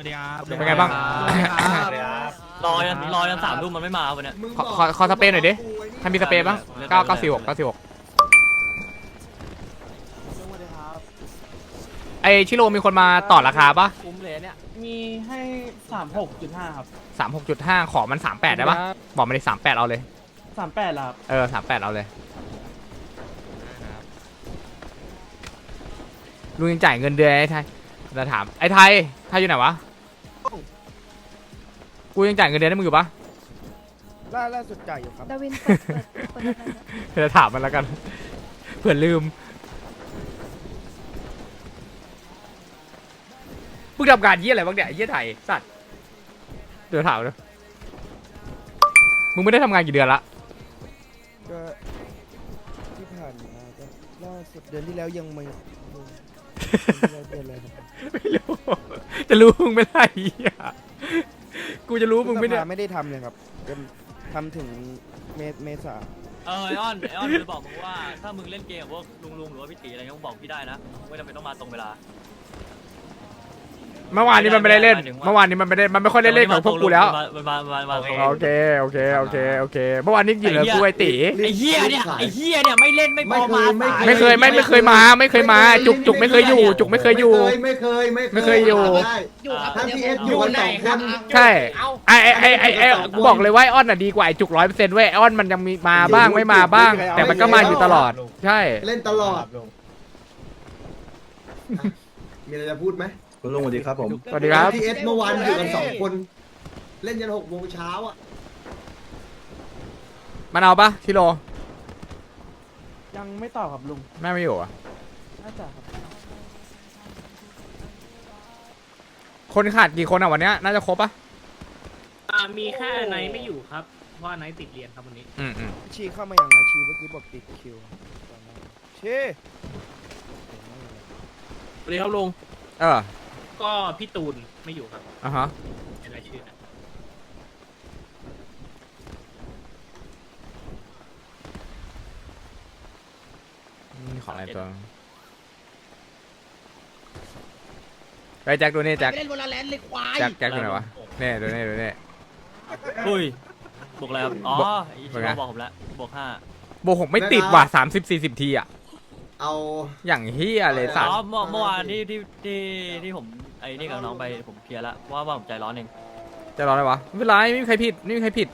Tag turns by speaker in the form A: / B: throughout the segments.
A: วัสดีครับ
B: เป็นไงบ้าง
C: รอยัน3 ทุ่มมันไม่มาวันเนี้ย
B: ขอสเปรย์หน่อยดิใครมีสเปรย์บ้าง946ไอชิโร่มีคนมาต่อราคาปะ
D: คุ้มเลยเนี่ยมีให้36.5ครับ
B: 36.5 ขอมัน38ได้ปะบอกมาเลย38เอาเลย
D: 38ล่ะครับ
B: 38เอาเลยลุงยังจ่ายเงินเดือนไอ้ไทยจะถามไอ้ไทยอยู่ไหนวะกูยังจ่ายเงินเดือนให้มึงอยู่ปะ
E: ล่าสุดจ่ายอยู่ครับ
F: ดาวินเปิดอะไรนะ
B: เดี๋ยวถามมันแล้วกันเผื่อลืมมึงทำการยี่อะไรบ้างเนี่ยไอ้ยี่ไทยสัตว์เดี๋ยวถามเลยมึงไม่ได้ทำงานกี่เดือนละ
E: ก็ที่ผ่านมาก็ล่าสุดเดือนที่แล้วยังไม่เดือนอะไรนะ
B: ไม่รู้จะรู้มึงไม่ได้เหี้ยกูจะรู้มึงไม่ได้
E: ไม่ได้ทำเลยครับจนทำถึงเมษา
C: ไอออนจะบอกมึงว่าถ้ามึงเล่นเกมกับพวกลุงหรือว่าพี่ตีอะไรเงี้ยมึงบอกพี่ได้นะไม่จำเป็นต้องมาตรงเวลา
B: เมื่อวานนี้มันไม่ได้เล่นเมื่อวานนี้มันไม่ค่อยได้เล่นของพวกกูแล้ว
C: มาตรง
B: โอเคเมื่อวานนี้กินแล้วกูไอตี
C: ไอ้เหี้ยเนี่ยไม่เล่นไม่พอมาสาย
B: ไม่เคยมาจุกไม่เคยอยู่จุกไม่เคยอยู่
G: ไม่เคย
B: อยู่
G: ทั้งที่เอสอยู่กัน2 คน
B: ใช่ไอกูบอกเลยว่าไอออนน่ะดีกว่าไอจุก100%เว้ยไอออนมันยังมีมาบ้างไม่มาบ้าง แต่มันก็มาอยู่ตลอดใช่
G: เล่นตลอดมีอะไรจะพูดไหม
H: คุณลุงสวัสดีครับผม
B: สวัสดีครับ
G: ที่เอสเมื่อวานอยู่กัน2 คน เล่นยัน6 โมงเช้าอ่ะ
B: มันเอาปะชิโร่
D: ยังไม่ต่อครับลุง
B: แม่ไม่อยู่อ่ะ
D: น่าจะครับ
B: คนขาดกี่คนอ่ะวันเนี้ยน่าจะครบปะ
I: มีแค่ไนท์ไม่อยู่ครับเพราะว่าไนท์ติดเรียนครับวันนี้
B: อืม
E: ชีเข้ามาอย่างนะชีเมื่อกี้บอกติดคิวชี
I: สวัสดีครับลุง
B: ก็
I: พี่ตูนไม่อยู่ครับ
B: อ่ะฮะ
I: เป็นรายชื่อนะ
B: นี่ของอะไรตัวไปแจ็คดูนี่แจ็ค
A: เล่นวอลเลนเลยควาย
B: แจ็คดูไหนวะเนี่ยดูนี่
C: อุ้ยบวกอะไรครับอ๋อไอ้
B: บว
C: ที่
B: กไง
C: บอกผมแล้วบวก 5
B: โบกหกไม่ติดว่ะ30-40 ทีอ่ะ
G: เอา
B: อย่างเฮียเลยสัต
C: อ๋อ
B: ว์
C: เมื่อวานที่ผมไอ้นี่กับน้องไปผมเคลียร์แล้วว่าผมใจร้อนเอง
B: จะรออะไรวะไม่เป็นไรไม่มีใครผิด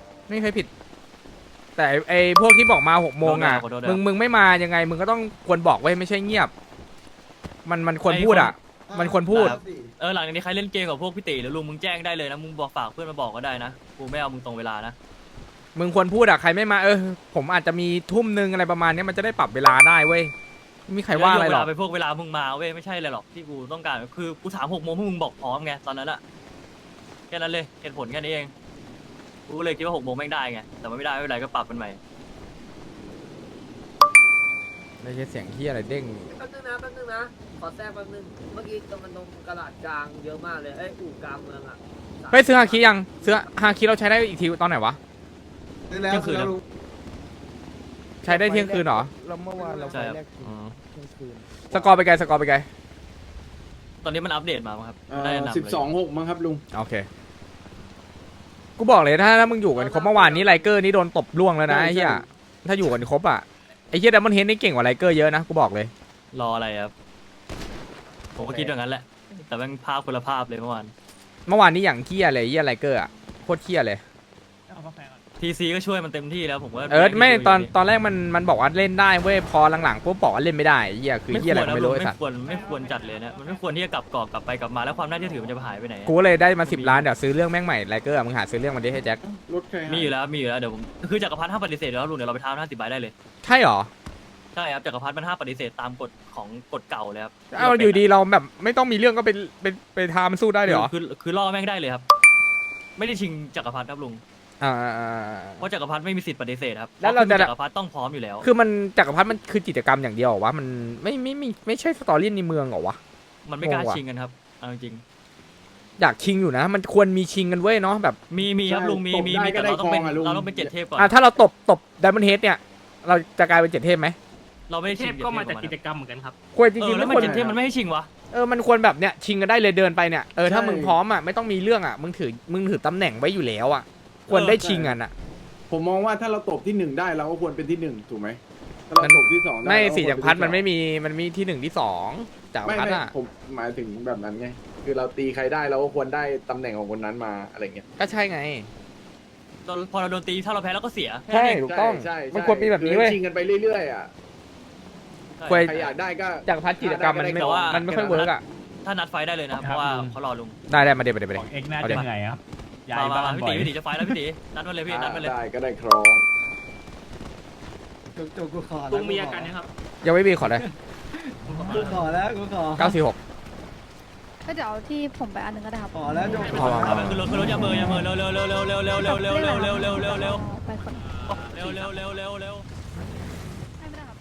B: แต่ไอ้พวกที่บอกมา6 โมงอ่ะมึงไม่มายังไงมึงก็ต้องควรบอกไว้ไม่ใช่เงียบมันควรพูดอ่ะมันควรพูด
C: หลังจากนี้ใครเล่นเกมกับพวกพี่ตีหรือลุงมึงแจ้งได้เลยนะมึงบอกฝากเพื่อนมาบอกก็ได้นะกูไม่เอามึงตรงเวลานะ
B: มึงควรพูดอ่ะใครไม่มาผมอาจจะมีทุ่มนึงอะไรประมาณนี้มันจะได้ปรับเวลาได้เว้ยไม่มีใครว่าอะไรหรอก
C: เวลาไปพวกเวลามึงมาเว้ยไม่ใช่เลยหรอกที่กูต้องการคือกูถาม6 โมงพวกมึงบอกพร้อมไงตอนนั้นอะแค่นั้นเลยเหตุผลแค่นี้เองกูเลยคิดว่า6 โมงแม่งได้ไงแต่มันไม่ได้ไม่เป็นไรก็ปรับมันใหม่
B: ไม่ใช่เสียงเฮียอะไรเด้ง
J: แป๊บนึงนะขอแทรกแป๊บนึงเมื่อกี้ตรงกระดาษกลางเยอะมากเลยอู่กลางเมืองอ่ะ
B: เฮ้ยซื้อฮาคิยังซื้อฮาคิเราใช้ได้อีกทีตอนไหนวะ
G: ซื้อแล้วลุง
B: ใช้ได้เที่ยงคืนเหรอ
E: เราเมื่อวานเรา
C: ใช่
E: ไป
C: ครับ
E: แรกทีเที่ยงคืน
B: สกอร์ไปไกล
C: ตอนนี้มันอัปเดตมามั้งครับได้นำเลย
H: 12-6มั้งครับลุง
B: โอเคกูบอกเลยถ้ามึงอยู่กันครบเมื่อวานนี้ไลเกอร์นี่โดนตบล่วงแล้วนะไอ้เหี้ยถ้าอยู่กันครบอ่ะไอ้เหี้ยดัมเบิลเฮดนี่เก่งกว่าไลเกอร์เยอะนะกูบอกเลย
C: รออะไรครับผมก็คิดอย่างนั้นแหละแต่แม่งภาพคนละภาพเลยเมื่อวาน
B: เมื่อวานนี้อย่างเหี้ยเลยเหี้ยไลเกอร์อ่ะโคตรเหี้ยเลย
I: เอากาแฟก่อน
C: ทีซีก็ช่วยมันเต็มที่แล้วผมว่า
B: ไม่ตอนแรกมันบอกว่าเล่นได้เว้ยพอหลังๆปุ๊บบอกว่าเล่นไม่ได้เหี้ยคือเหี้ยอะไรก็ไม่รู้ไอ้สัตว์
C: ไม่ควรจัดเลยนะมันไม่ควรที่จะกลับกรอกกลับไปกลับมาแล้วความน่าเชื่อถือมันจะหายไปไหน
B: กูเลยได้มา10 ล้านเดี๋ยวซื้อเรื่องแม่งใหม่ไลเกอร์มึงหาซื้อเรื่องมันดิให้แจ็ค
H: รถใคร
C: มีอยู่แล้วเดี๋ยวผมคือจักรพรรดิห้ามปฏิเสธแล้วลุงเดี๋ยวเราไปท้า50 ใบได้เลย
B: ใช่หรอ
C: ใช่ครับจักรพรรดิมันห้ามปฏิเสธตามกฎของกฎเก่าเลยครับ
B: เอาอยู่ดีเราแบบไม่ต้องมีเรื่องก็ไปทามันสู้ได้เลยเหรอ
C: คือล่อแม่งได้เลยครับ ไม่ได้ชิงจักรพรรดิครับลุง
B: อ่า
C: เพราะจักรพรรดิไม่มีสิทธิ์ปฏิเสธครับ
B: แล้วเราจะ
C: จักรพรรดิต้องพร้อมอยู่แล้ว
B: คือมันจักรพรรดิมันคือกิจกรรมอย่างเดียวเหรอวะมันไม่ใช่สตอรี่ในเมืองเหรอวะ
C: มันไม่กล้าง
B: งว่ะ
C: ชิงกันครับเอาจริง
B: อยากชิงอยู่นะ มันควรมีชิงกันเว้ยเนาะแบบ
C: มีครับลุงมีแต่เราต้องเป็น7 เทพก่อน
B: ถ้าเราตบไดมอนด์เฮดเนี่ยเราจะกลายเป็น7 เทพไหม
C: เราไม่ได้
I: เท
C: ชิง
I: พก็มาจาก
C: 7
I: กิจกรรมเหมือนกันครับ
B: ควรจ
C: เอ
B: ริ
C: อง
B: ๆ
C: แล้
B: ทุ
C: ว
B: ก
C: มัน
B: คน
C: 7 เทพมันไม่ให้ชิงวะ
B: มันควรแบบเนี้ยชิงกันได้เลยเดินไปเนี่ยถ้า
H: ใช่
B: มึงพร้อมอ่ะไม่ต้องมีเรื่องอ่ะมึงถือตำแหน่งไว้อยู่แล้วอ่ะควรได้ชิงกันอ่ะ
H: ผมมองว่าถ้าเราตบที่ 1 ได้เราก็ควรเป็นที่ 1 ถูกไหมถ้าเราตบที่ 2 ได้
B: ไม่
H: เรา
B: สี่
H: ควร
B: จักรพรรดิ
H: เป็
B: มันไม่มีที่หนึ่งที่สองจักร
H: ไม่
B: พรรดิ
H: ไม่
B: อ่ะ
H: ผมหมายถึงแบบนั้นไงคือเราตีใครได้เราก็ควรได้ตำแหน่งของคนนั้นมาอะไรเงี้ย
B: ก็ใช่ไง
C: พอเราโดนตีถ้าเราแพ้เราก็เสีย
B: ใช่ถูกต้อง
H: ใช่
B: มันควรมีแบบนี้เว้ย
H: ชิงกันไปเรื่อยๆอ่ะ
B: ควร
H: ใครอยากได้ก็
B: จักรพรรดิกิจกรรมมันไม่
C: แต่ว่า
B: มันไม่ค่อยเวิร์กอ่ะ
C: ถ้านัดไฟได้เลยนะเพราะว่าเขารอลุง
B: ได้มาเดี๋ยว
I: เอ็กน่า
B: เอา
I: จะ
B: ดิ
I: เหนื่อยครับย้าย
C: มา
I: บ้าน
C: พี่
I: บ่อย
C: ตีจะไฟแล้วพี่ตีนัดมาเลยพี่นัดมาเลย
H: ได้ก็ได้ครอง
E: จุกกูขอ
I: ลุงมีอาการยังครับ
B: ยังไม่มีขอเลย
E: กูขอแล้วกูขอ
B: 946
F: ก็เดี๋ยวที่ผมไปอันหนึงก็ได้ครับ
E: ขอแล้วจุก
B: พอ
C: เอาไปขึ้นรถอย่าเบอร์เร็วเร็วเร็วเร็วเร็วเร็วเร็วเร็วเร็วเร็วเร็วเร็วเร็วเร็ว
F: ไปคน
C: เร็วเร็วเร็วเร็วเร็ว
F: ไม่ได้ครับพี่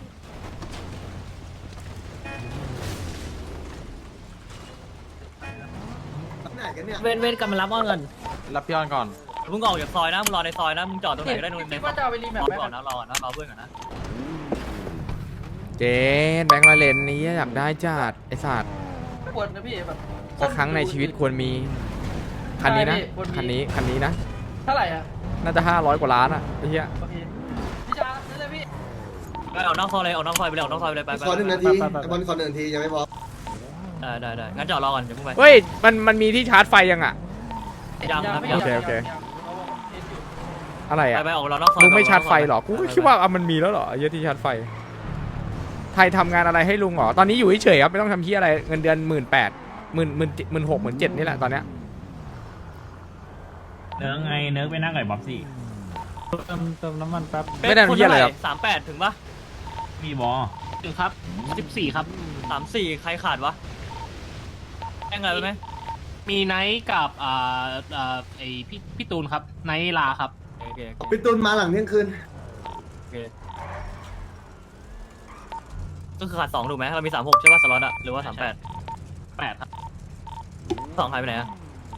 G: ไหนกันเนี่ย
J: เว้นกันมารับเอาเงิน
I: รับพี่ออนก่อน
C: มึงออกจากซอยนะมึงรอในซอยนะมึงจอดตรงไหนก็ได้ในซอยก่อนนะรอนะรอเพื่อนก่อนนะ
B: เจนแบงค์ละเลนนี้อยากได้จัดไอ้สัตว์
D: ควรนะพี่แบบ
B: สักครั้งในชีวิตควรมีคันนี้นะ
D: ใช่พี่ควรมี
B: คันนี้นะ
D: เท่าไหร่อ่ะ
B: น่าจะ500 กว่าล้านอ่ะไอ้เหี้ย
D: โอเคพี่ชาซื้อเลยพี่
C: ไปออกนอกซอยเลยออกนอกซอยไปเลยออกนอกซอยไปเลยไป
G: ขอ1 นาทีไอ้บอลขอ1 นาทียังไม่พอ
C: ได้งั้นจอดรอก่อนเดี๋ยวมึงไป
B: เฮ้ยมันมีที่ชาร์จไฟยังอ่ะ
C: ยังครับ
B: โอเคโอเค อะไรอ่ะ
C: ไปออกรอนอกซอย
B: ลุงไม่ชาร์จไฟหรอกูก็คิดว่ามันมีแล้วเหรอไอ้เหี้ยที่ชาร์จไฟไทยทำงานอะไรให้ลุงเหรอตอนนี้อยู่เฉยๆครับไม่ต้องทำที่อะไรเงินเดือน18,000 16,000 17,000นี่แหละตอนเนี้ย
I: เนื้อไงเนื้อไปนั่งกับบ๊อบซี่
B: ไม่ได้ทำเหี้ยอะไรครับ
C: 38ถึงปะ
I: มีบอถึงครับ14ครับ
C: 34ใครขาดวะแจ้งอะไรไปไหม
I: มีไนท์กับไอพี่ตูนครับไนท์ลาครับ
C: โอเค
G: พี่ตุนมาหลังเที่ยงคืน
C: ก็คือขาด2ถูกไหมเรามี36ใช่ป่ะสล็อตอะหรือว่า
I: 8ครับ
C: 2หายไปไหนอะ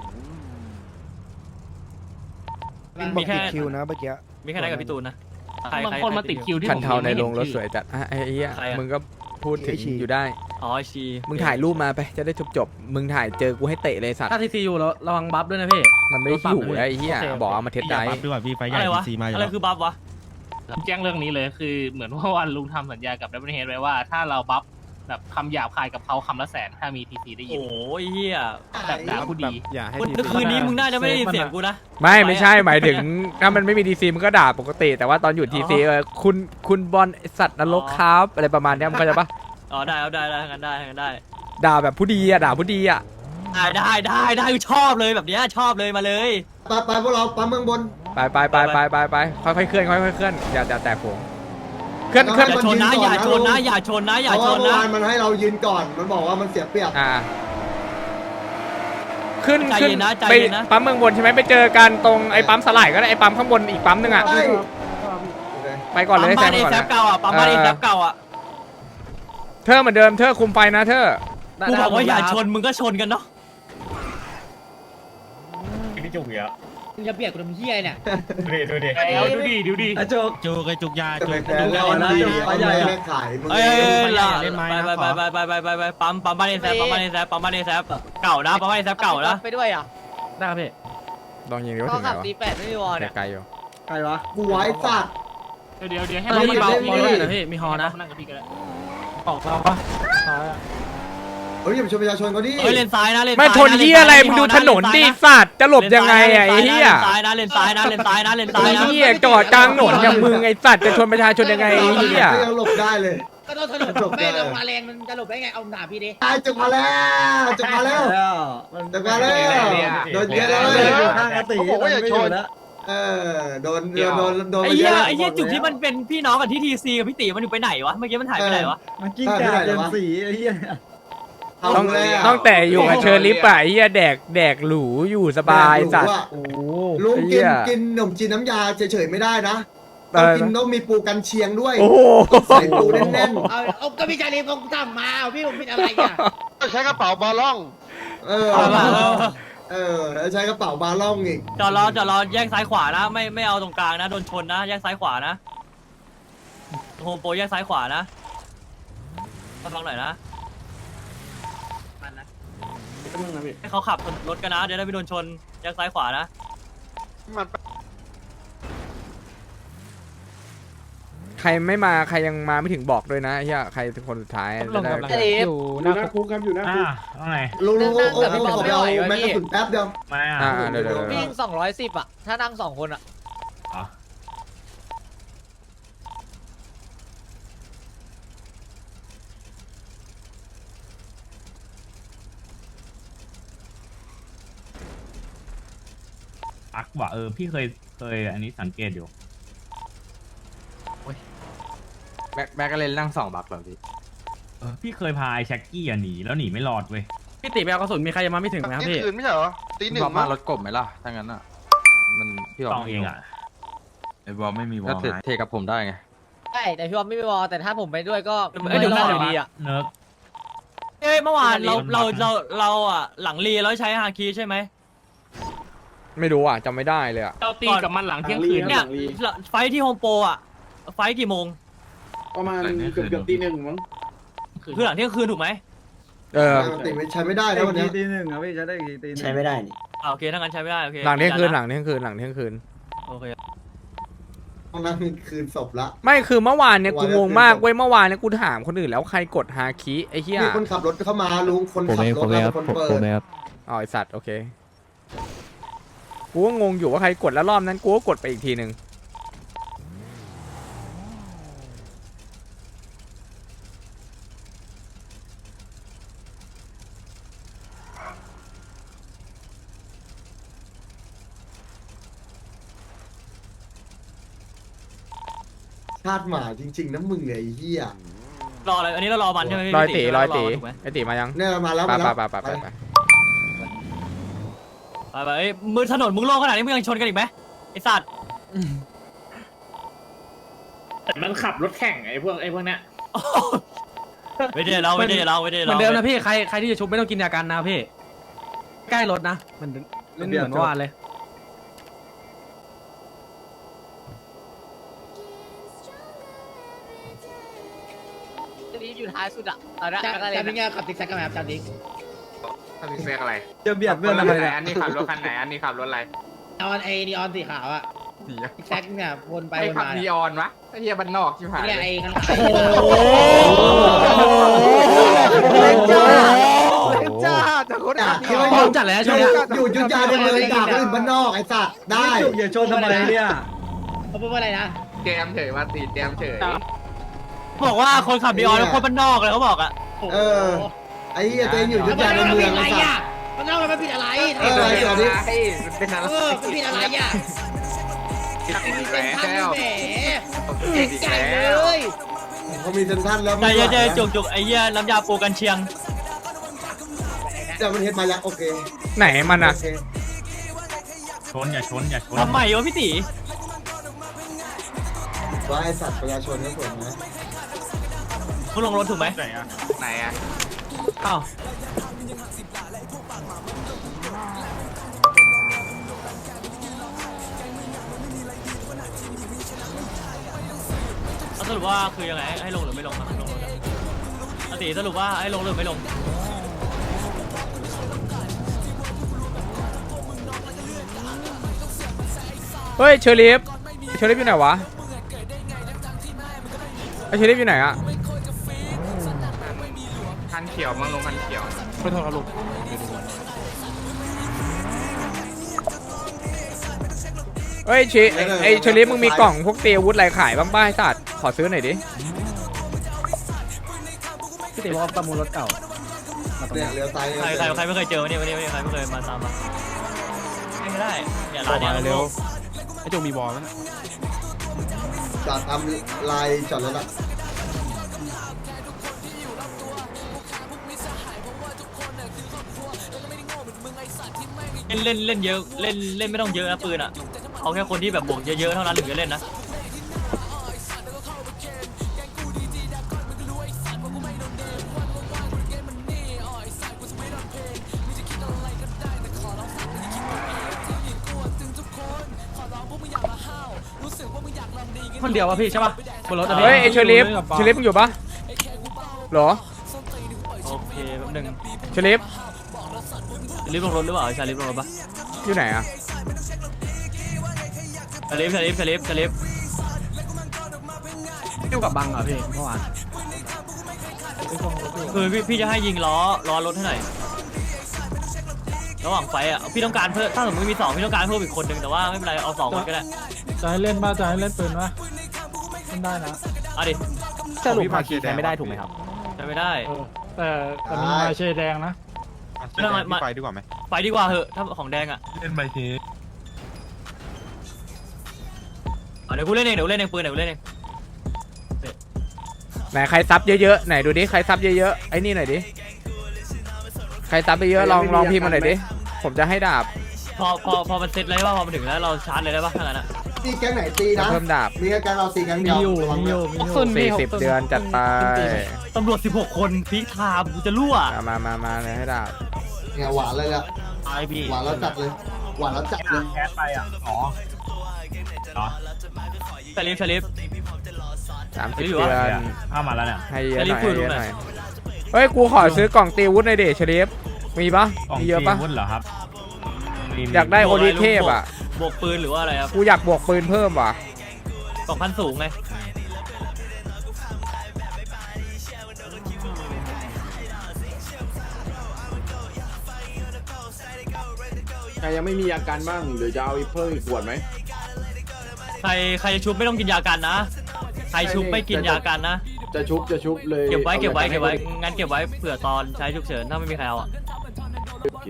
E: บอกติดคิวนะเมื่อกี้
C: มีแค่ไหนกับพี่ตูนนะ
I: บางคนมาติดคิวที่
B: คันเทาในโรงรถ
I: ผม
B: สวยจัดไอ้เหี้ย
C: ใครอะ
B: มึงก็พูดถึงอยู่ได้
C: อ๋อชี
B: มึงถ่ายรูปมาไปจะได้จบมึงถ่ายเจอกูให้เตะเลยสัตว์
D: ถ้าทีซีอยู่แล้วระวังบัฟด้วยนะพี่
B: มันไม่ได้อยู่ไอ้เหี้ยบอกเอามาเทสได้
C: อะไรวะอะไรคือบัฟวะ
I: แจ้งเรื่องนี้เลยคือเหมือนว่าวันลุงทำสัญญากับดับเบิลเฮดไว้ว่าถ้าเราบัฟแบบคำหยาบคายกับเขาคำละแสนถ้ามีทีซีได้ยิน
C: โอ้ยเฮีย
I: แบบด่าผู้ดี
C: คืนนี้มึงน่าจะไม่ได้ยินเสียงกูนะ
B: ไม่ใช่หมายถึงถ้ามันไม่มีดีซีมันก็ด่าปกติ แต่ว่าตอนอยู่ทีซีคุณบอลไอ้สัตว์นรกครับอะไรประมาณเนี้ยมันก็จะปะ
C: อ๋อได้งั้นได้
B: ด่าแบบผู้ดีอะด่าผู้ดีอะ
C: ได้ชอบเลยแบบเนี้ยชอบเลยมาเลย
G: ไปพวกเราปั๊มเมืองบน
B: ไปค่อยๆเคลื่อนอย่าแตกโผงเคลื่อน
C: อย่าชนนะอย่าชนนะอย่าชนนะอย่า
G: เพราะ
C: ช
G: ว่าน เมื่อ
C: นะ
G: วานมันให้เรายืนก่อน มันบอกว่ามันเสียเปรียบ
B: ขึ้น
C: ใจเย็นนะใจ
B: ไป
C: เย็นนะ
B: ปั๊มเมืองบนใช่ไหมไปเจอกันตรงไอ้ปั๊มสลายก็ได้ไอ้ปั๊มข้างบนอีกปั๊มนึงอะ
G: ใช่
B: ไปก่อนเลย
C: ปั๊มบ้าน
B: แซ
C: เอ
B: มก่อน
C: แซ
B: นะ
C: ฟเก่าอ่ะปั๊มบ้านเอแซฟเก่าอ่ะ
B: เธอเหมือนเดิมเธอคุมไฟนะเธอ
C: กูบอกว่าอย่าชนมึงก็ชนกันเนาะ
I: พี่จุกเหรอ
J: มึงจะเบียดกูทำเหี้ยเนี่ย
I: ดูดิดูดิ
E: จุกยา
G: จะไปแพ้แล้วนะเอาใหญ่แม่ขายมึง
C: เอ้ยไปปั๊มบ้านเอแซฟปั๊มบ้านเอแซฟปั๊มบ้านเอแซฟเก่านะปั๊มบ้านเอแซฟเก่านะ
J: ไปด้วยอ่ะ
D: ได้ครับพี่
B: ลองยิงดูว่า
J: เขา
B: ถึงไหน
J: ขับ
B: วะ
J: C8ไม่มีวอลเนี่ย
B: ไกลอยู่
E: ใครวะ
G: กูไว้สัตว์
I: เดี๋ยวให้
D: เรามีเบา
G: ไม่
D: บอ
G: มี
D: ลด้วยนะพี่มีฮอนะ
I: นั่งกับพี่ก็ได้
D: ออกเราปะ
G: เฮ้ยอย่าไปชนประชาชนเขาดิ
C: เฮ้ยเลนซ้ายนะเลน
B: ไม่ชนเหี้ยอะไรมึงดูถนนดิสัตว์จะหลบยังไงอะไอ้เหี้ย
C: เลนซ้ายนะเลนซ้ายนะ
B: ไอ้เหี้ยจอดกลางถนนอย่างมึงไอ้สัตว์จะชนประชาชนยังไงไอ้เหี้ย
G: ก็ยังหลบได้เลย
J: ก็ต้องถนนไม่ลงมาแรงมันจะหลบได้ไงเอาหนาพี่ดิ
G: ตายจุกมาแล้วจุกมาแล้วจุกมาแล้วโดนเยอะเลย
E: ข้างกติมันไม่อยู่แล้ว
G: โดน
C: ไอ้เหี้ยไอ้เหี้ยจุดที่มันเป็นพี่น้องกับที่ทีซีกับพี่ตีมันอยู่ไปไหนวะเมื่อกี้มันหายไปไหนวะ
E: มันกิ้งก่าเกินสีไอ้เหี้ย
B: ต้องแต่อยู่กับเชอร์ลิปอะไอ้เหี้ยแดกหรูอยู่สบายสัตว์
E: โอ้
G: ลุงกินขนมจีนน้ำยาเฉยๆไม่ได้นะต้องมีปูกันเชียงด้วย
B: โอ้โห
G: ใส่ปูแน่น
J: เอาก็พี่ชาลีคงทำมาพี่ผมผิดอะไรอ่ะ
G: ใช้กระเป๋าบาล่องแล้วใช้กระเป๋าบาล่องอีก
C: จอดรอแยกซ้ายขวานะไม่เอาตรงกลางนะโดนชนนะแยกซ้ายขวานะโฮมโปรแยกซ้ายขวานะมาฟังหน่อยนะ
D: นึงนะพี่
C: ให้เขาขับรถกันนะเดี๋ยวได้ไม่โดนชนแยกซ้ายขวานะ
B: ใครไม่มาใครยังมาไม่ถึงบอกด้วยนะไอ้เฮียใครเป็นคนสุดท้ายจะได้
H: อยู่หน้าคุกครับอยู่หน้าคุก
I: ว่าไง
G: ลุงโอ้โหขอไปเอาแม็กกระสุนแป๊บเดียว
I: มาอ่ะ
B: เดี๋ยว
J: วิ่ง210อ่ะ ถ้านั่ง2 คนอ่ะ
I: ปักว่ะพี่เคยอันนี้สังเกตอยู่
A: แม็กก็เลยนั่ง2 บักแบบพี่
I: พี่เคยพาไอ้แช็กกี้หนีแล้วหนีไม่รอดเว้ย
D: พี่ติไปเอากระสุนมีใครยังมาไม่ถึงไหมครับพี่
A: คืนไม่ใช่เหรอตี 1มารถกบไหมล่ะถ้างั้นอ่ะมันพี่
I: ต้องเองอ่ะ
A: ไอ้บอลไม่มีวอลเทกับผมได้ไง
J: ใช่แต่พี่บอลไม่ไปวอลแต่ถ้าผมไปด้วยก็
C: เดี๋ยว
J: รอด
C: ห
J: อ
C: น้า
J: ยู่ดีอ่ะ
I: เนิร์ก
C: เอ้ยเมื่อวานเรา
I: ไม่ได้
C: เราอ่ะหลังรีแล้วใช้ฮาคีใช่ไหม
B: ไม่รู้อ่ะจำไม่ได้เลยอ่ะ
I: เราตีกับมันหลังเที่ยงคืน
C: เนี่ยไฟท์ที่โฮมโปรอ่ะไฟท์กี่โมง
H: ประมาณเกือบตี 1มั้ง
C: คือหลังเที่ยงคืนถูกไหม
G: ปกติใช้ไม่ได้แล้ววันนี้
D: ตีหนึ่งครับพี่จะได้อีกตีหนึ่ง
J: ใช้ไม่ได้นี่
C: โอเคถ้างั้นใช้ไม่ได้โอเค
B: หลังเที่ยงคืน
C: ยัะ
B: หลังเที่ยงคืนหลังเที่ยงคืน
C: โอเค
G: ต้องนั่งคืนศพละ
B: ไม่คือเมื่อวานเนี่ย
G: เมื่
B: กู
G: อวาน
B: งงมากเว้ยเมื่อวานเนี่ยกูถามคนอื่นแล้วใครกดฮาคิไอ้เหี้ย
G: มีคนขับรถเข้ามาลุงคนขับรถแล้วคนเปิด
B: อ๋อไอสัตว์โอเคกูก็งงอยู่ว่าใครกดแล้วรอบนั้นกูก็กดไปอีกทีหนึ่ง
G: ชาติหมาจริงๆนะมึงไอ้เหี้ย
C: รออะไรอันนี้เรารอมันใช่ไหมพี่
B: ร้อยตี
C: พี่
B: ร้อยตี
C: ถูกไหม
B: ไอตีมายัง
G: เนี่ยมาแล้ว
B: ไป
G: มาแล้ว
B: ไปไปไป
C: ไปเอ้ยมือถนนมึงโล่งขนาดนี้มึงยังชนกันอีกไหมไอสัตว์
I: แต่มันขับรถแข่งไอ้พวกเนี้ย
C: ไม่ได้เราไม่ได้เราไม่ได้
D: เหมื
C: เรา
D: อนเดิมนะพี่ใครที่จะชุบไม่ต้องกินยากันนะพี่ใกล้รถนะมันเล่นเหมือนเมื่อวานเลย
J: นี่อยู่ท้ายสุดอ่ะตอนนั้นก็เลยเป็นไงขับติ๊กแซกกันไหมครับจานดิ๊ก
A: ถ้าพี่เซ็กอะไร
D: จะเบียดเพื่อนทำไมเนี่ย
A: อันนี้ขับรถคันไหนอันนี้ขับรถอะไร
J: นีออนนีออนสีขาวอ่ะติ๊กแซกเนี่ยวนไป
A: ไอ้
J: วน
A: ขับ
J: มา
A: นีออนวะไอ้เหี้ยบ้านนอกชิบหาย
J: เนี่ย
A: เลย
J: ไอ้ข้างหลัง
G: เล่นจ้า
A: จ้าจะคนขับนี
G: คิด
A: ออ
G: ว่าน อยู่
D: จัดแล้วช่วงนี้
G: อยู่ยุทธยาในเมืองด่าคนอื่นบ้านนอกไอ้สัตว์ได้
D: อย่าชนทำไมเนี่ย
J: เขาพูดว่าอะไรนะ
A: แจมเฉยมาตีแจมเฉย
C: บอกว่าคนขับดีออนเป็นคนบ้านนอกเลยเขาบอกอ่ะ
G: เออไอ้เหี้ยตัวเองอยู่ยุทธยาในเมือง
J: อะไร
G: ไอ้สัต
J: อ่ะ
G: ว์
J: มันเล่ามันผิดอะไร
G: เออไอ้ตัวนี้
A: มันเป็นอะไร
J: มันผิดอะไรอ่ะ
A: แหวนแก้ว
J: แหมเก่งใจเลย
G: เขามีเซนทันแล้ว
C: ใจเย็นๆจุกๆไอ้เหี้ยน้ำยาปูกันเชียง
G: แต่มันเฮ็ดมาแล้วโอเค
B: ไหนมันอ่ะ
G: โอเค
I: ชนอย่าชน
C: ทำไมวะพี่ตี
G: ว่าไอ้สัตว์ประชาชนก็ส่วนนะ
C: มึงลงรถถูกไหม
A: ไหนอ่ะไหนอ่ะ
C: อ้าวสรุปว่าคือยังไงให้ลงหรือไม่ลงครับลงรถอะตีสรุปว่าให้ลงหรือไม่ลง
B: เฮ้ยเชอริฟอยู่ไหนวะไอเชอริฟอยู่ไหนอะ
A: คันเขียวมั่งลงคันเขียว
D: ขอโทษครับลุง
B: เฮ้ยไอเชอริฟมึงมีกล่องพวกเตรียมอาวุธอะไรขายบ้างป้าไอสัตว์ขอซื้อหน่อยดิ
D: พี่ติบอกว่าประมูลรถเก่า
G: เนี่ยเลี้ยวซ้าย
C: ใครไม่เคยเจอวันนี้ใครไม่เคยมาตามมาไม่ได้อย่าร้านเนี้ยเร็ว
D: ไอ้โจมีบอลแล้วนะ
G: จอดทำลายจอดรถละ
C: เล่นเยอะเล่นไม่ต้องเยอะนะปืนอ่ะเอาแค่คนที่แบบบวกเยอะๆเท่านั้นถึงจะเล่นนะ
D: คนเดียววะพี่ใช่ป่ะบนรถอะพี่
B: เฮ้ยไอเชอริฟมึงอยู่ปะเหรอ
C: โอเคแป๊บนึง
B: เชอริฟ
C: ลิฟต์ลงรถหรือเปล่าชาลิฟต์ลงรถปะ
B: อยู่ไหนอ่ะ
C: ชาลิฟต์
D: อยู่กับบังเหรอพี่เมื่อวาน
C: คือพี่จะให้ยิงล้อรถให้หน่อยระหว่างไฟอ่ะพี่ต้องการเพิ่มถ้าสมมติมี2พี่ต้องการเพิ่มอีกคนนึงแต่ว่าไม่เป็นไรเอา2คนก็ได้
D: จะให้เล่นบ้าจะให้เล่นปืนวะเล่นได้นะ
C: เอาดิ
D: สรุปมาคีใช้ไม่ได้ถูกไหมครับ
C: ใช้ไม่ได้
D: แต่มีมาเชแดงนะ
C: ไม่ต้องไปดีกว่าไหมไปดีกว่าเหอะถ้าของแดงอ่ะ
A: เล่นใบเท
C: เดี๋ยวกูเล่นเองปืนเดี๋ยวกูเล่นเอง
B: ไหนใครซับเยอะๆไหนดูดิใครซับเยอะๆไอ้นี่หน่อยดิใครซับไปเยอะลองพิมพ์มาหน่อยดิผมจะให้ดาบ
C: พอมันเซ็ตเลยว่าพอมันถึงแล้วเราชาร์จเลยได้ป่ะถ้างั้นอ่ะ
G: ตีแก๊งไหนตีนะ
B: เพิ่มดาบ
G: มีแก๊งเราตีแก๊งเดียวระวังด้วย
B: 40 เดือนจัดไป
C: ตำรวจ16 คนพีคไทม์กูจะรั่ว
B: มาเลยให้ดาบ
G: เนี่ยหวานเลยละหวานแล้วจัดเลยหวานแล้วจัดเลย
I: แคสไปอ่ะอ๋อ
C: ชาลิฟ
B: 30
C: ไม่อยู่
B: เดื
C: วะ
B: อน
I: เข้ามาแล้วเนี่ย
B: ให้เยอะหน่อย
C: จะรีบคุยดูหน่อย
B: เฮ้ยกูขอซื้อกล่องตีวุฒิหน่อยดิเชลีฟมีปะมีเยอะปะ
I: วุฒิเหรอครับ
B: อยากได้โอลิเทพอ่ะ
C: บวกปืนหรือว่าอะไรครับ
B: กูอยากบวกปืนเพิ่มว่ะ
C: 2,000 สูงไง
H: ใครยังไม่มีอาการบ้างหรือจะเอาอีกเพิ่มอีกขวดไหม
C: ใครจะชุบไม่ต้องกินยากันนะใครชุบไม่กินยากันนะ
H: จะชุบเลย
C: เก็บไว้
H: อา
C: งั้นเก็บไว้เผื่อตอนใช้ฉุกเฉินถ้าไม่มีใครเอาอ่ะ
H: โอเค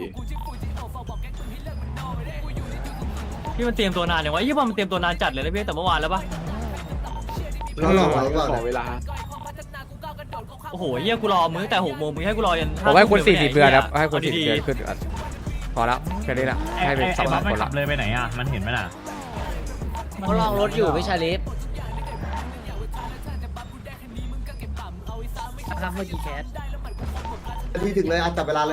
C: พี่มันเตรียมตัวนานอย่างวะยี่ปอมันเตรียมตัวนานจัดเลยนะพี่แต่เมื่อวานแล้วปะ
G: เราหลอกไว้ก่อน
H: ขอเวลา
C: โอ้โหเยี่ยกูรอมึงตั้งแต่6 โมงมึงให้กูรอยัน
B: ผมให้คุณ40 เดือนครับ
C: า
B: ให้คุณ
C: ดี
B: 40 เดือนขึ้นก่อนพอแล้วแค่นี้ละให้เป็นสอง
I: บัฟ
B: ค
I: ไม่
B: น
I: ขั
B: ละ
I: บเลยไปไหนอ่ะมันเห็นไหมน่ะ
J: เขาลองรถอยู่ไม่ชาลิฟครับเมื่อกี้แคส
G: ทีถึงเลยจับเวลาเลย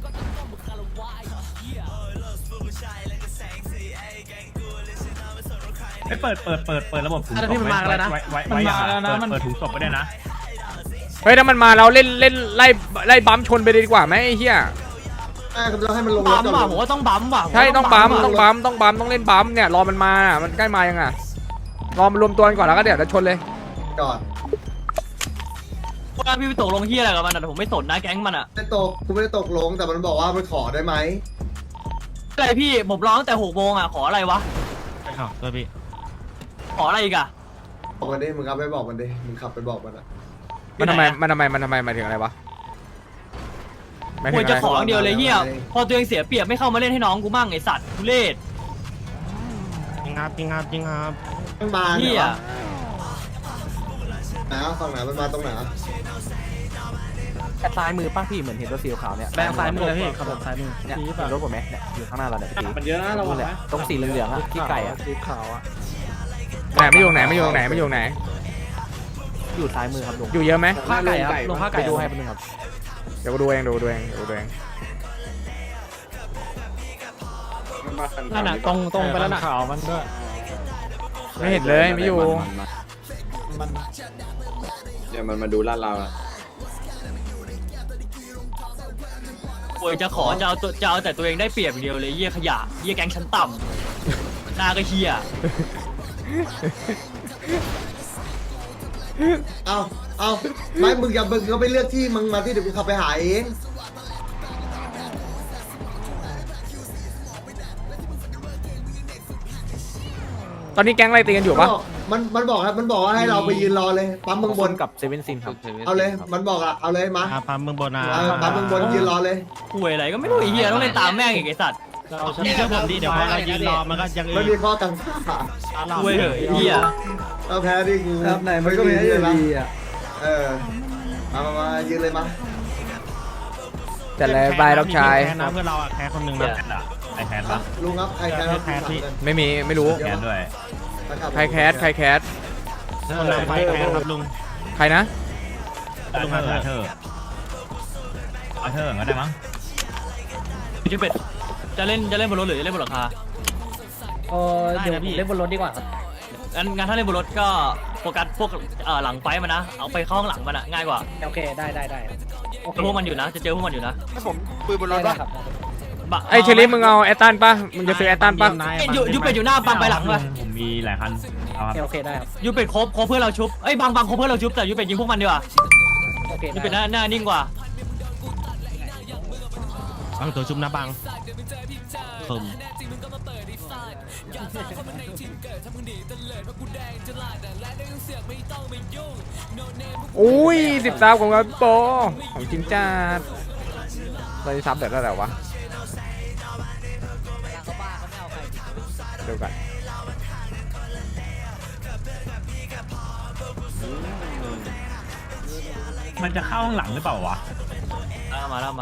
I: ไม่เปิดระบบถุงศพ
D: พี่มันมาแล้วนะ
I: ไว้อย่างเปิดถุงศพไปด้วยนะ
B: เฮ้ยถ้ามันมาเราเล่นไล่บัมชนไปเลยดีกว่าไหมไอ้เหี้ย
G: เราให้มันลงร
C: บั
G: ถ
C: ม
G: ก่อน
C: ว่ะผมว่าต้องบัมว่ะ
B: ใช่ต้องบัมต้องเล่นบัมเนี่ยรอมันมามันใกล้มายังอ่ะรอมันรวมตัวกันก่อนแล้วก็เดี๋ยวจะชนเลย
G: ก่อน
C: ว่าพี่ไปตกลงเฮียอะไรกับมันอ่ะผมไม่สนนะแก๊งมันอ่ะ
G: ไม่ตกกูไม่ได้ตกลงแต่มันบอกว่ามันขอได้ไหม
C: อะไรพี่ผมรอตั้งแต่6 โมงอ่ะขออะไรวะ
I: อ้าวตัวพี่
C: ขออะไรอีกอ่ะ
G: บอกมันดิมึงเอาไปบอกมันดิมึงขับไปบอกมันอ่ะ
B: มันทำไมหมายถึงอะไรวะหมายถึ
C: คว
B: ง
C: ร
B: อะ
C: จะ
B: ไร
C: ขออย่างเดียวเลยเฮียพอตัวเองเสียเปรียบไม่เข้ามาเล่นให้น้องกูมั่งไอสัตว์ทุเรศ
I: จริงครับ
G: มันมา
C: เฮี
G: เนี่ย ไหนอ่ะฝั่งไหนมันมาตรงไหนอ่ะ
D: ซ้ายมือป้าพี่เหมือนเห็นรถสีขาวเนี่ยแบงซ้ายมือพี่ขับซ้ายมือเนี่ยเห็นรถผมไหมเนี่ยอยู่ข้างหน้าเราเนี่ยพี่
H: มันเยอะนะเราอะ
D: ตรงสีเหลืองๆอะที่ไก่อะ
E: สีขาวอ่ะ
B: ไหนไม่อยู่ไหน
D: อยู่ซ้ายมือครับลุง
B: อยู่เยอะไหม
D: ผ้าไก่ครับลงผ้าไก่ดูให้เป็นงครับ
B: เดี๋ยวกูดูเอง
D: นั่นน่ะตรงไปแล้วน่ะขาวมันด้วย
B: ไม่เห็นเลยไม่อยู่
H: เดี๋ยวมันมาดูลาดเราอะ
C: ควรจะขอจะเอาแต่ตัวเองได้เปรียบอย่างเดียวเลยเฮียขยะเฮียแก๊งชั้นต่ำหน้าก็เฮีย
G: เอาไม่มึงอย่ามึงก็ไปเลือกที่มึงมาที่เดี๋ยวกูขับไปหาเอง
B: ตอนนี้แก๊งอะไรตีกันอยู่ปะ
G: มันบอกว่าให้เราไปยืนรอเลยปั๊มเมืองบน
D: กับเซเว่นซินครับ
G: เอาเลยมันบอกอ่ะเอาเลยมา
I: พาเมืองบนนะ
G: ปั๊มเมืองบนยืนรอเลย
C: ป่วยอะไรก็ไม่รู้ไอ้เฮียต้องเล่นตามแม่งอีกไอ้สัตว์
I: นี่เชื่อผมดิเดี๋ยวพอเรายืนรอมันก็ยัง
G: ไม่มีข้อกังขา
C: ป่วยเหอะไอ้เฮีย
G: เอาแพ้ดิกู
E: ครับไหนมันก็มีให้อยู่ดีอ่ะ
G: มายืนเลยมา
B: จัดเลยบายล็อกชาย
I: แคสนะเพื่อนเราอะแคสคนหนึ่งนะไอแคสปะ
G: ลุงครับใครแคสครับ
B: ไม่รู้
I: แคสด้วย
B: ใครแคส
I: คนนำไฟแคสครับลุง
B: ใครนะ
I: ลุงอาเธอร์ก็ได้มั้ง
C: พี่เป็ดจะเล่นบนรถหรือจะเล่นบนหลังคา
J: เดี๋ยวผมเล่นบนรถดีกว่าครับ
C: งั้นถ้าเล่นบนรถก็โฟกัสพวกหลังไฟมันนะเอาไปเข้าข้างหลังมันอะง่ายกว่า
J: โอเคได้โอเค
C: พวกมันอยู่นะจะเจอพวกมันอยู่นะ
E: ให้ผมปืนบนรถ
J: ได้
E: ป่ะ
J: ครับ
B: ไอ้เชลิฟมึงเอาแอตตันปะมึงจะซื้อแอตตันปะ
C: ยูเป็ดอยู่หน้าบังไปหลังเลย
D: ผมมีหลายคันโอเคได้ครับ
C: ยูเป็ดครบเพื่อนเราชุบเอ้ยบังครบเพื่อนเราชุบแต่ยูเป็ดยิงพวกมันดีกว่า
D: โอเค
C: ยูเป็ดหน้านิ่งกว่า
D: บังตัวชุบนะบังคม
B: อุ้ย10 ซับของเราโปของจริงจัดเราจะซับเดี๋ยวได้แล้ววะเดี๋ยวกัน
D: มันจะเข้าข้างหลังหรือเปล่าวะ
C: มาแล้ว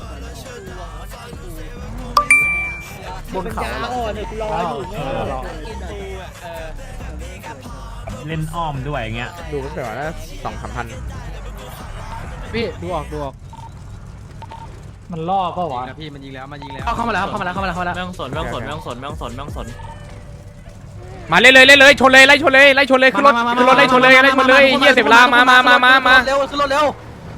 D: บนเขาเล่นอ้อมด้วยอย่างเงี้ย
B: ดูก็เปล่านะ2-3 พัน
D: พี่ดูออกมันล่อเปล่าวะ
A: พี่มันยิงแล้วมันยิงแล้ว
D: เข้ามาแล้วเข้ามาแล้ว
C: ไม่ต้องสนไม่ต้องสน
B: มาเลยชนเลยไล่ชนเลยขึ้นรถไล่ชนเลยเหี้ยเสียเวลามา
D: เร็วขึ้นรถเร็ว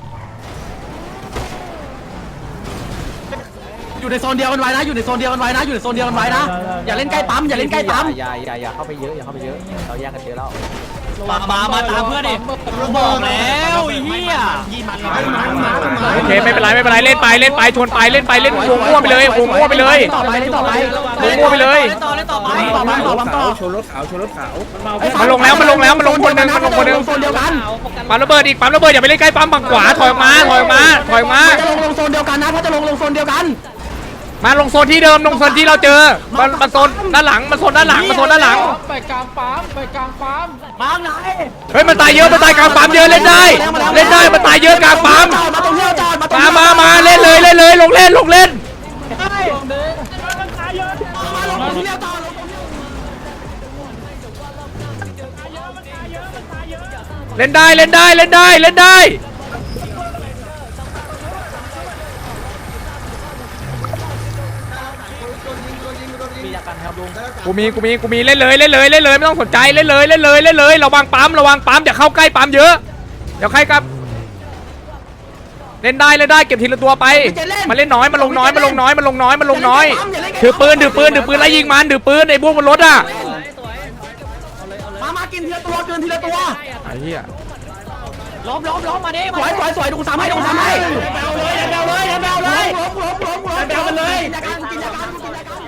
D: อยู่ในโซนเดียวกันไว้นะอยู่ในโซนเดียวกันไว้นะอย่าเล่นใกล้ปั๊มอย่าเข้าไปเยอะเราแยกกันเยอะแล้ว
C: มาตามเพื่อนดิบอกแล้วไอ้เหี้ย
B: โอเคไม่เป็นไรเล่นไปชนไปเล่นวงมั่วไปเลยวงมั่วไปเลย
D: ต่อไป
B: วงมั่วไปเลย
D: ต่อ
E: ชนรถขาว
B: มันลงคนหนึง
D: โซนเดียวกัน
B: ปั๊มระเบิดอย่าไปเล่นใกล้ปั๊มฝั่งขวาถอยออกมา
D: จะลงโซนเดียวกันนะถ้าจะลงโซนเดียวกัน
B: มาลงโซนที่เดิมลงโซนที่เราเจอมาโซนด้านหลังมาโซนด้านหลัง
D: ไปกลางปั๊มมาไหน
B: เฮ้ยมันตายเยอะมันตายกลางปั๊มเยอะเล่นได้มันตายเยอะกลางปั๊ม
D: มาตรงนี้จอด
B: มาเล่นเลยลงเล่น
D: ลงที่จอด
B: เล่นได้กูมีเล่นเลยไม่ต้องสนใจเล่นเลยระวังปั๊มอย่าเข้าใกล้ปั๊มเยอะเดี๋ยวใครกับเล่นได้เก็บทีละตัวไปมาเล่นน้อยมาลงน้อยถือปืนไล่ยิงมันถือปืนไอ้พวกบนรถอ่ะ
D: มากินทีละตัว
B: ไอ้เหี้ย
C: ล้มมาดิ
D: สวยดูสามให้แบวเลยล้มเลยกินยากัน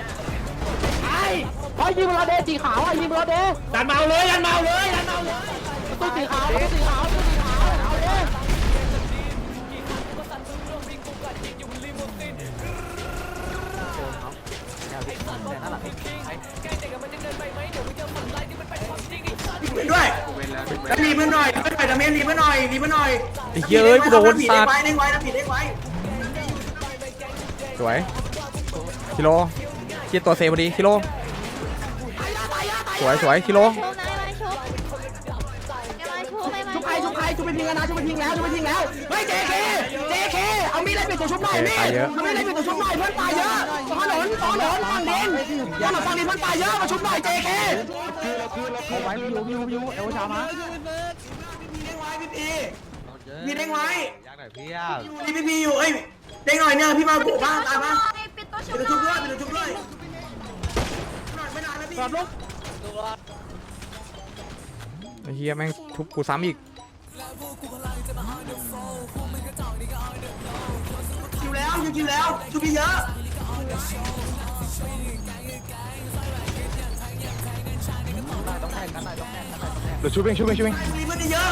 D: ไอ้ยิงเราเดสีขาวยิงเราเดยันเมาเลยตู้สีขาวเอาเลยด้วยรีบมาหน่อยดาเมจรีบมาหน่อย
B: ไอ้เหี้ยเอ้ยกูโดนสัตว์
D: เด้งไว้นะผิดเด้งไว้
B: สวยคิโลเกียร์ตัวเซพอดีคิโลสวยคิโล
D: ชุบใครชุบไปทิ้งแล้วเฮ้ย JK เอามีดเล่นเป็นตัวชุบหน่อยมีดเอามีดเล่นเป็นตัวชุบหน่อยเพื่อนตายเยอะต่อถนนฝั่งดินเพื่อนตายเยอะมาชุบหน่อย JK เอาไว้วิวเอวชามาพี่เด้งไว้พี่อยู่เอ้ยเด้งหน่อยเนี่ยพี่มาบุกบ้านตายมาปิดตัวชุบด้วยไม่นานแล้วพี่
B: ไอ้เหี้ยแม่งทุบกูซ้ำอีก
D: คิวแล้วชุบเยอะ
B: เดี๋ยวชุบเอง
D: มีเพื่อนเยอะ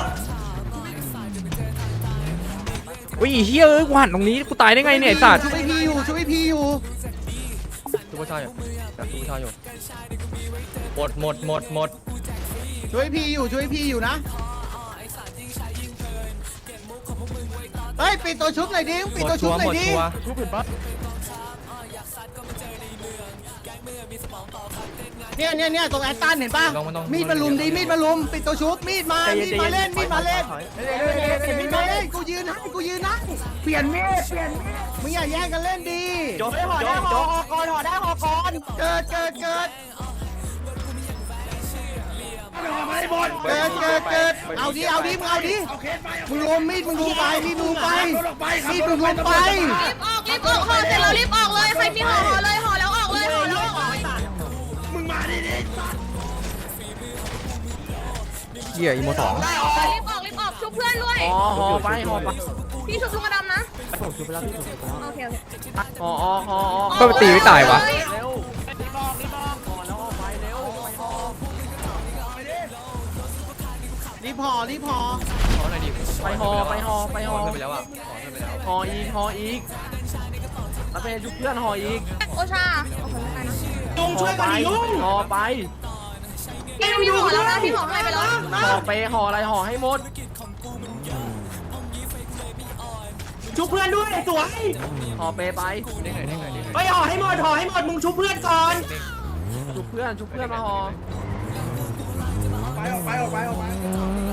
B: อุ้ยเหี้ยเอ้ยกูหันตรงนี้กูตายได้ไงเนี่ยไอ้สัตว์
E: ช่วยพี่อยู่
C: ชุบชายอยู่หมด
E: ช่วยพี่อยู่นะเฮ้ยปิดตัวชุบหน่อยดิปิดตัวชุบหน่อยดิเนี่ยตรงแอตตันเห็นป่ะมีดมาลุมปิดตัวชุบมีดมาเล่นกูยืนให้เปลี่ยนมีดมึงอย่าแย่งกันเล่นดีห่อได้ห่อก่อนเกิดเกิดเอาดิมึงเอาดิมึงลมมีดมึงลงไปมีดมึงไปมีดมึงลงไป
F: รีบออกห่อเสร็จแล้วรีบออกเลยใครมีห่อเลยห่อแล้วออกเลยห่อแล้วออก
B: เหี้ยอีโมสอง
F: รีบออกชุบเพื่อนด้วย
B: ห่อไป
F: พี่ชุบลุงกระดำนะโอเค
B: ก็ไปตีไม่ตายวะ
E: รีบห่อไปห่อห่ออีกแล้วเป็นชุบเพื่อนห่ออีก
F: โอชา
E: ลุงช่วยกันลุงห่อไป
F: พี่ห่อแล้วนะพี่ห่ออะไรไปแล้ว
E: ห่อไปห่ออะไรห่อให้หมดชุบเพื่อนด้วยสวยห่อไปไปห่อให้หมดมึงชุบเพื่อนก่อนชุบเพื่อนมาห่อไป